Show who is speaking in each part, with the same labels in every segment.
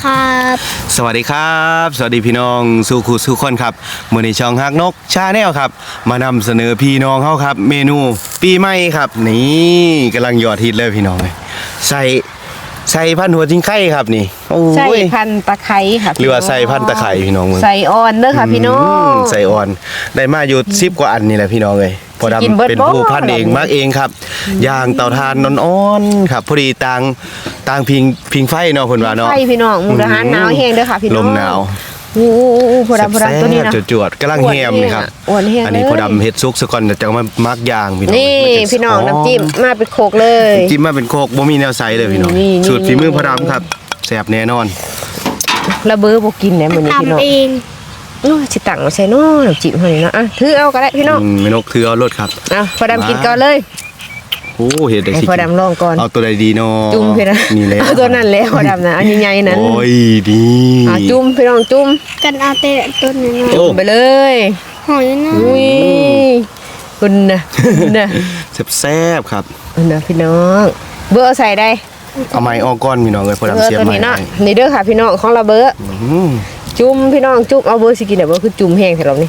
Speaker 1: ครับ
Speaker 2: สวัสดีครับสวัสดีพี่น้องสู่คู่สู่คนครับมื้อนี้ช่องฮักนกชาแนลครับมานำเสนอพี่น้องเฮาครับเมนูปีใหม่ครับนี่กำลังยอดฮิตเลยพี่น้องเลยใส่พันหัวจิงไข่ครับนี่โอ้ย
Speaker 3: ใส่พันตะไคร้ค่ะ
Speaker 2: หรือว่าใส่พันตะไคร้พี่น้อง
Speaker 3: ใส่อ่อนเด้อค่ะพี่น้อง
Speaker 2: ใส่อ่อนได้มาอยู่10กว่าอันนี่แหละพี่น้องเลยพอดำเป็นผู้พันเองมากเองครับย่างเตาถ่านนอ่อนๆครับพอดีต่างพิงไฟเนาะเพิ่นว่าเนาะ
Speaker 3: ไฟพี่น้องมุกดาหารหนาวแห้งเด้อค่ะพี่น้อง
Speaker 2: ลมหนาว
Speaker 3: โอ้พอดำตัวนี้นะ
Speaker 2: จวดๆกำลังแฮมนี่ครับอันนี้พอดำเฮ็ดซุกซะก่อนจะมามักย่างพี่น้อง
Speaker 3: นี่พี่น้องน้ำจิ้มมาเป็นโคกเลย
Speaker 2: จิ้มมาเป็นโคกบ่มีแนวใสเลยพี่น้องสูตรฝีมือพอดำครับแซ่บแน่นอน
Speaker 3: ระเบ้อบ่กินแหน่มื้อนี้พี่น้อง
Speaker 1: ทำเอง
Speaker 3: โอ้สิตังมาใส่น้อน้ำจิ้มเฮานี่เนาะอ่ะถือเอาก็ได้พี่น้อง
Speaker 2: แม่นกถือเอารถครับ
Speaker 3: พอดำกินก่อนเลย
Speaker 2: โอ้เฮ็ดได้สิ
Speaker 3: พอดำลองก่อน
Speaker 2: เอาตัวใดดีเนาะ
Speaker 3: จุ่มพี่นะ
Speaker 2: นี่แหละ
Speaker 3: เอาตัวนั้นแล้วพอดำนะอันใหญ่ๆนั้น
Speaker 2: โอ้ยดี
Speaker 3: จุ่มพี่น้องจุ่ม
Speaker 1: กันเอาแต่ต้นน้อย
Speaker 3: จุ่มไปเลย
Speaker 1: หอยน้อย
Speaker 3: อุ้ยคุณนะ
Speaker 2: แซ่บๆครับ
Speaker 3: นะพี่น้องเบอร์ใส่ได้
Speaker 2: เอาไม้ออกก้อนพี่น้องเลยพอดำเสียบไม้
Speaker 3: นี่เด้อค่ะพี่น้องของเราเบอร์จุ่มพี่น้องจุ่มเอาเบอร์สิกินเบอร์คือจุ่มแห้งใส่เรานี่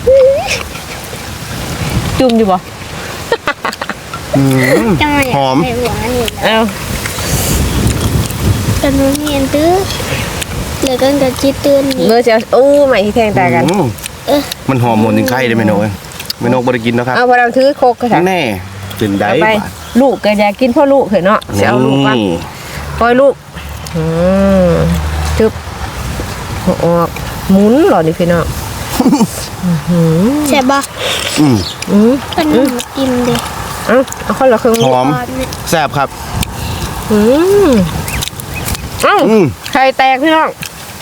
Speaker 3: จุ่มอยู่บ่
Speaker 2: หอม
Speaker 3: เอา
Speaker 1: กันนู้นเห็นตื้อเหลือกันกับจีตื่น
Speaker 3: เบอร์จะโอ้ใหม่ที่แทงตากัน
Speaker 2: มันหอมหมดถึงไข่เลยแม่นกแม่นกบ่ได้กินแล้วครับ
Speaker 3: เอาพอเราถือโคกก็
Speaker 2: แน่เป็นได้
Speaker 3: ลูกก็อยากกินพ่อลูกเหรอเนาะจะเอาลูกมาปล่อยลูกจึ๊บออกหมุนหรอนี่พี่น้อง
Speaker 1: ใช่ป่ะเป็นอิ่มดิ
Speaker 3: เอาข้าวเหลือครึ่ง
Speaker 2: หอมแซ่บครับ
Speaker 3: ไข่แตกพี่น้อง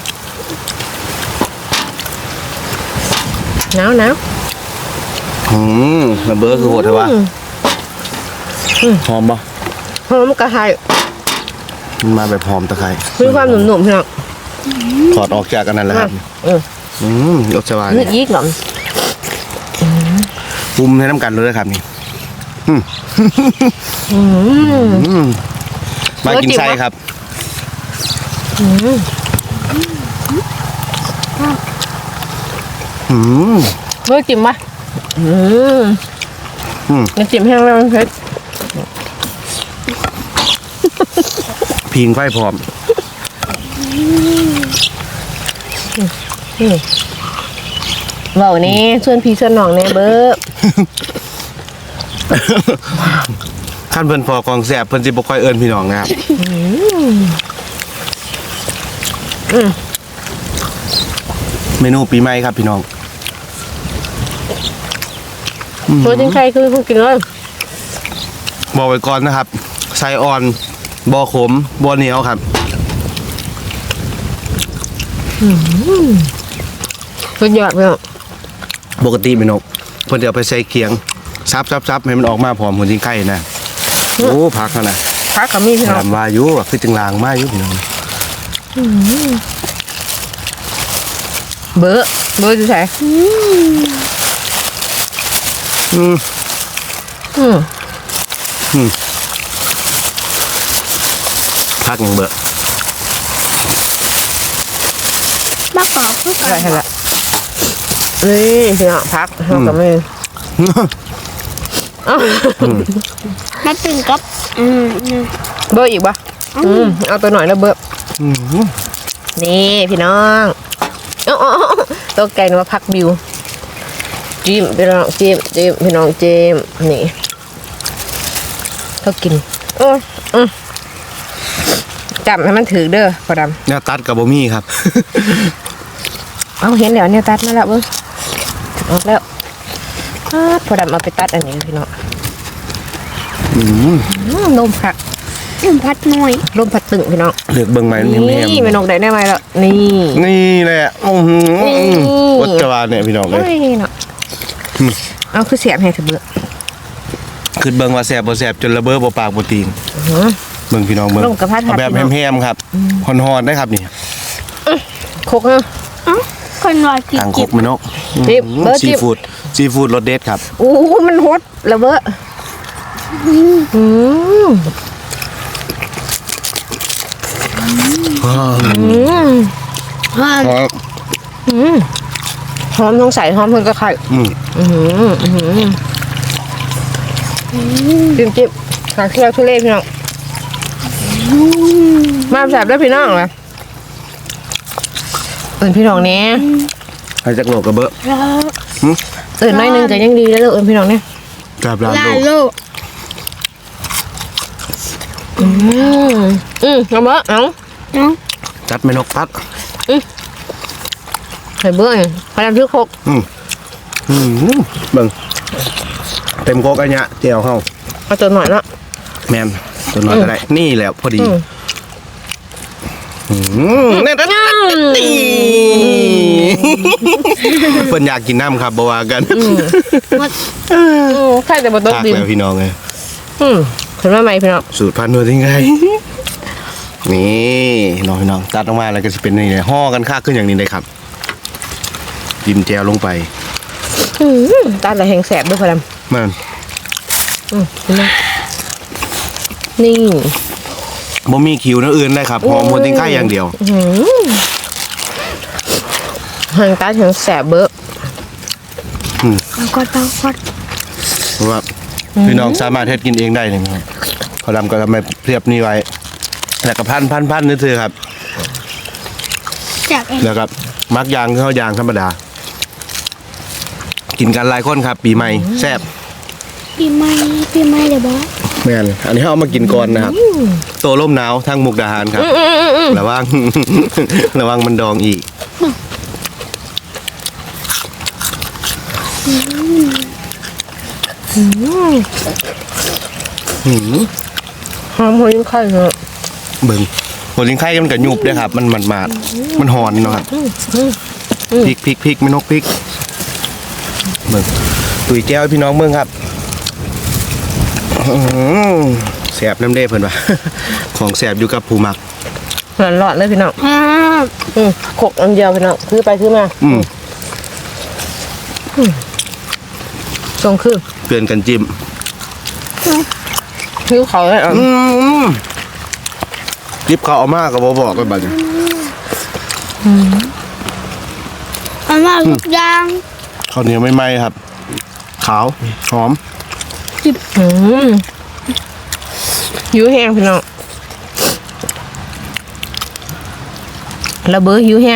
Speaker 3: หนาว
Speaker 2: ระเบิดคือโหดเลยวะหอมปะ
Speaker 3: หอมกระไข่
Speaker 2: มันมาแบบหอมตะไคร้
Speaker 3: มีความหนุ่มๆพี่น้อง
Speaker 2: ถอดออกจากกันนั่นแหละครับรสสบาย
Speaker 3: นี่ยิ่งหรอ
Speaker 2: ปุ้มให้น้ำกันเลยครับนี่มากินไส้ครับ
Speaker 3: เมื่อจิ้มปะน้ำจิ้มแห้งแล้วมันเผ็ด
Speaker 2: พิงไฟพร้อม
Speaker 3: บอกนี่ส่วนพี่ส่วนน้องเนี่ยเบิ้บ
Speaker 2: ขั้นเพิ่นพอกองแสบเพิ่นสิบ่ค่อยเอิ้นพี่น้องนะครับเมนูปีใหม่ครับพี่น้อง
Speaker 3: ตัวจริงใครคือผู้กินเลย
Speaker 2: บอกไว้ก่อนนะครับไส้อ่อนบ่ขมบ่เหนียวครับ
Speaker 3: สุดยอดเลย
Speaker 2: ปกติแม่นกเพิ่นจะเอาไปใส่เคียงซับให้มันออกมาพร้อมหัวจิงไข่นะโอ้พักแล้วนะ
Speaker 3: พักกับมีพี่น้อง
Speaker 2: ทำวายุคือจึงลางมาอยู่พี่น้อง
Speaker 3: เบอร์จะใส่
Speaker 2: พักยังเบอร์
Speaker 1: บักออกคือกัน
Speaker 3: ใช่ละนี่พี่น้องพักเรากับมี
Speaker 1: มาตึงกับ
Speaker 3: เบอร์อีกปะเอาตัวหน่อยแล้วเบอร์นี่พี่น้องตัวไก่มาพักบิวจิ้มพี่น้องจิ้มพี่น้องจิ้มนี่เขากินจับให้มันถือเด้อพอดำ
Speaker 2: เนี่ยตัดกับบ่มี่ครับ
Speaker 3: เอาเห็นเดี๋ยวเนี่ยตัดมาแล้วเบิ้งออกแล้วพอดำเอาไปตัดอันนี้พี่น้องลมผัก
Speaker 1: พัดหน่อย
Speaker 3: ลมผัดตึงพี่น้อง
Speaker 2: เลือกเบิ่งไหม
Speaker 3: นี่ไม่นกได้ไหมแล้วนี่
Speaker 2: แหละวัดจวานเนี่ยพี่น้องเลย
Speaker 3: เนาะเอาคือเสียบให้เถอะเบื่อ
Speaker 2: คือเบิ่งว่าแสบบ่แสบจนระเบ้อบ่ปากบ่ตีนเบิ่งพี่น้องเบิ่งแบบแฮมๆครับฮอนๆได้ครับนี่
Speaker 3: คกเนาะ
Speaker 1: คนว่ากิน
Speaker 2: ทางคกไม่นกซีฟู้ดรสเด็ดครับ
Speaker 3: โอ้มันฮดระเบ้อ
Speaker 1: ว่า
Speaker 2: หอม
Speaker 3: หอมทั้งใส่หอมทั้งกระไข่ จิ้มขาเคี่ยวทุเรศพี่น้องมาแสบแล้วพี่น้องเลยตื่นพี่น้องเนี้ย
Speaker 2: ให้จักโลกกระเบอะ
Speaker 3: ตื่นน้อยหนึงแต่ยังดีแล้วเลยพี่น้องเนี่ย
Speaker 2: กับร้าน
Speaker 1: ลา
Speaker 2: โลก
Speaker 1: โลก
Speaker 3: เอาเบอร์เอา
Speaker 1: เนาะ
Speaker 2: จัดไม่นกพัด
Speaker 3: ใส่เบอร์พยายามชื่อโคก
Speaker 2: เบิ่งเต็มโคกอันเนี้ยเจียวเข้า
Speaker 3: เอาตัวหน่อยละ
Speaker 2: แมนตัวน้อยก็ได้นี่แหละพอดีนี่เพิ่นอยากกินน้ำครับบ่ว่ากัน
Speaker 3: ใช่แต่บนโต๊ะ
Speaker 2: ทัก
Speaker 3: ดิน
Speaker 2: แล้วพี่น้องเลย
Speaker 3: ขึ้นมาใหม่พี่น้อง
Speaker 2: สูตรพันธุ์ที่ไงนี่น้องพี่น้องตัดออกมาแล้วก็จะเป็นนี่เลยห่อกันค่าขึ้นอย่างนี้เลยครับจิ้มแจวลงไป
Speaker 3: ตาละแหงแสบด้วยพลัม
Speaker 2: มัน
Speaker 3: นี่
Speaker 2: บ่มีคิวนั่นอื่นเลยครับหอมโพติ้งไข่อย่างเดียว
Speaker 3: แหงตาแหงแสบเบอร์
Speaker 1: ปังกอด
Speaker 2: เพราะว่าพี่น้องสามารถเฮ็ดกินเองได้เลยครับเขาทำก็ทำไมเรียบนี่ไว้แล้วก็พันนี่คือครับ
Speaker 1: จากเอง
Speaker 2: แล้วก็มักยางเข้ายางธรรมดา กินกันหลายคนครับ ปีใหม่แซ่บ
Speaker 1: ปีใหม่เดี๋ยวบอส
Speaker 2: แม่นอันนี้เอามากินก่อนนะครับโตร่มหนาวทางมุกดาหารครับระวัง ระวังมันดองอีก
Speaker 3: หอมหัวยิ่งไข่เนอะ
Speaker 2: เบิ่งโพติ้งไข่มันก็ยุบด้วยครับ มันมาดมันหอนเนาะครับพริกไม่นกพริกเบิ่งตุ๋ยแก้วให้พี่น้องเบิ่งครับแสบน้ำเด้เพิ่นว่า ของแสบอยู่กับผู้มัก
Speaker 3: หลอดเลยพี่น้อง
Speaker 1: ครับ
Speaker 3: โขกอันเดียวพี่น้องซื้อไปซื้อมาทรงคือ
Speaker 2: เตือนกันจิ้ม
Speaker 3: คิ้วเขาเลยอ่ะ
Speaker 2: จิบเขาเอามากกับบอกกันบัดนี้
Speaker 1: อันว่าทุกอย่าง
Speaker 2: ข้าวเหนียวไม่ไหม้ครับ ขาวหอม
Speaker 3: หิวแห้งพี่น้องระเบ้อหิวแห้ง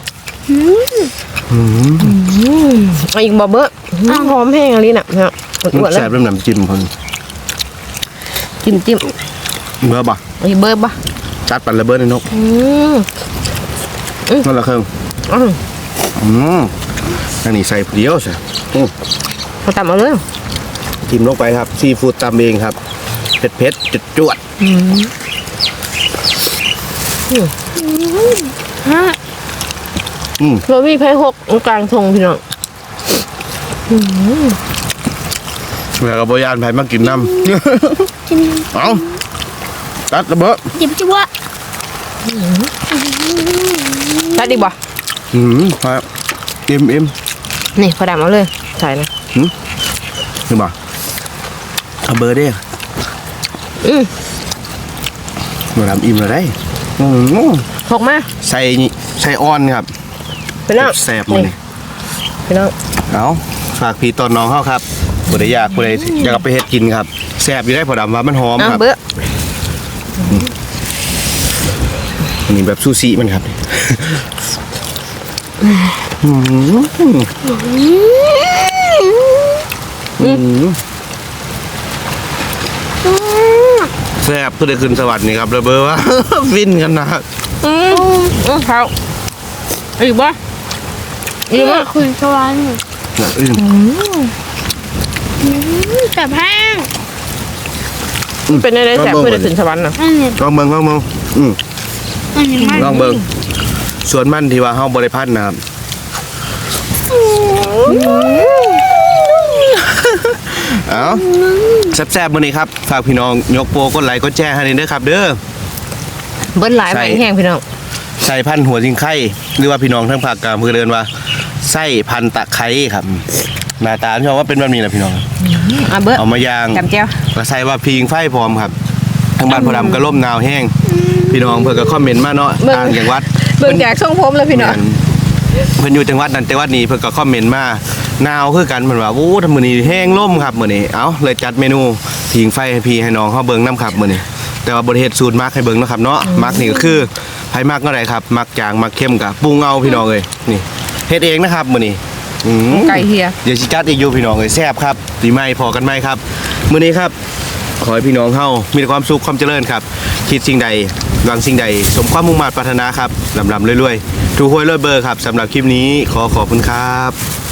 Speaker 3: เอาอีกบ่เบ้อหอมแห้งอะไรน่ะพี่น้องอ้วนๆเล
Speaker 2: แส
Speaker 3: ย
Speaker 2: บเริ่มน้ำจิ้มคน
Speaker 3: จิ้ม
Speaker 2: เบอร์บ่
Speaker 3: เอาอีกเบ้อบ่
Speaker 2: จัดปันระเบิดในนกนั่นละเครื่องอันนี้ใส่เดียวใช่
Speaker 3: เขาตำเอาเลย
Speaker 2: จิ้มลงไปครับซีฟู้ดตำเองครับเผ็ดจวด
Speaker 3: โรบี้ไผ่หกกลางทงพี่น้อง
Speaker 2: แล้วก็บยานไผ่มากินน้
Speaker 1: จิ้ม
Speaker 2: ำเอาตัดระเบิด
Speaker 1: จิ้มวะ
Speaker 3: ตัดดีบ่
Speaker 2: ครับเอ็ม
Speaker 3: นี่เขาดำเอาเลยใส่นะ
Speaker 2: นี่บ่เอาเบอร์เด้มาทำอิ่มเลยได้
Speaker 3: หกมา
Speaker 2: ใส่อ้อนครับ
Speaker 3: พี่น้อง
Speaker 2: แซ่บมันนี่
Speaker 3: พี่น้อง
Speaker 2: เอาฝากพี่ตอนน้องเข้าครับผู้ใดอยากผู้ใดอยากเอาไปเฮ็ดกินครับแซ่บอยู่ได้พอดำว่ามันหอมครับ
Speaker 3: เบ้อ
Speaker 2: อันนี้แบบซูชิมันครับแซ่บผู้ใดขึ้นสวรรค์นี่ครับระเบ้อว่า ฟินกันนะครับ
Speaker 3: เขาอีกบ่
Speaker 1: นี่ว่าคุณสวรรค์ แต่แห้ง
Speaker 3: เป็นอะไรแสบเพื่อจะถึงสวรรค์น่ะ
Speaker 1: อันนี้
Speaker 2: ลองเบิ่ง
Speaker 1: อันนี้ไม่
Speaker 2: ลองเบิ่งส่วนมันที่ว่าเฮาบ่ได้พันนะครับเอาแซ่บๆมื้อนี้ครับฝากพี่น้องยกโปรกดไลค์กดแชร์ให้เด้อครับเด้อ
Speaker 3: เบิ้ลหลายใบแห้งพี่น้อง
Speaker 2: ใส่พันธุ์หัวจิงไข่หรือว่าพี่น้องทั้งภาคกลางเพื่อเดินว่าไส้พันธุ์ตะไคร้ครับหน้าตาพี่น้องว่าเป็นแบบนี้นะพี่น้อง
Speaker 3: เบ้อ
Speaker 2: เอามาย่าง
Speaker 3: จำเจ้า
Speaker 2: ก็ใส่ว่าพิงไฟพร้อมครับทางบ้านพอดำก็ล่มหนาวแห้งพี่น้องเพื่อก็คอมเมนต์มาเนาะต่างจังหวัด
Speaker 3: เบิ่งจากทรงผมแล้วพี่น้อง
Speaker 2: เพิ่นอยู่จังหวัดนั้นจังหวัดนี้เพิ่นก็คอมเมนต์มาหนาวคือกันเพิ่นว่าโอ้ทำมื้อนี้แห้งล่มครับมื้อนี้เอ้าเลยจัดเมนูผิงไฟให้พี่ให้น้องเฮาเบิ่งนํครับมื้อนี้แต่ว่าบ่ได้เฮ็ดสูตรมักให้เบิ่งเนาะครับเนาะมักนี่ก็คือไผมักเท่าใดครับมักจางมักเข้มก็ปรุงเอาพี่น้องเอ้ยนี่เฮ็ดเองนะครับมื้อนี้
Speaker 3: ไก่เฮีย
Speaker 2: เดี๋ยวสิจัดอีกอยู่พี่น้องเอ้ยแซ่บครับปีใหม่พอกันไหมครับมื้อนี้ครับขอให้พี่น้องเฮามีแต่ความสุขความเจริญครับคิดสิ่งใดหวังสิ่งใดสมความมุ่งมั่นปรารถนาครับลำๆรวยๆถูกหวยรวยเบอร์ครับสำหรับคลิปนี้ขอบคุณครับ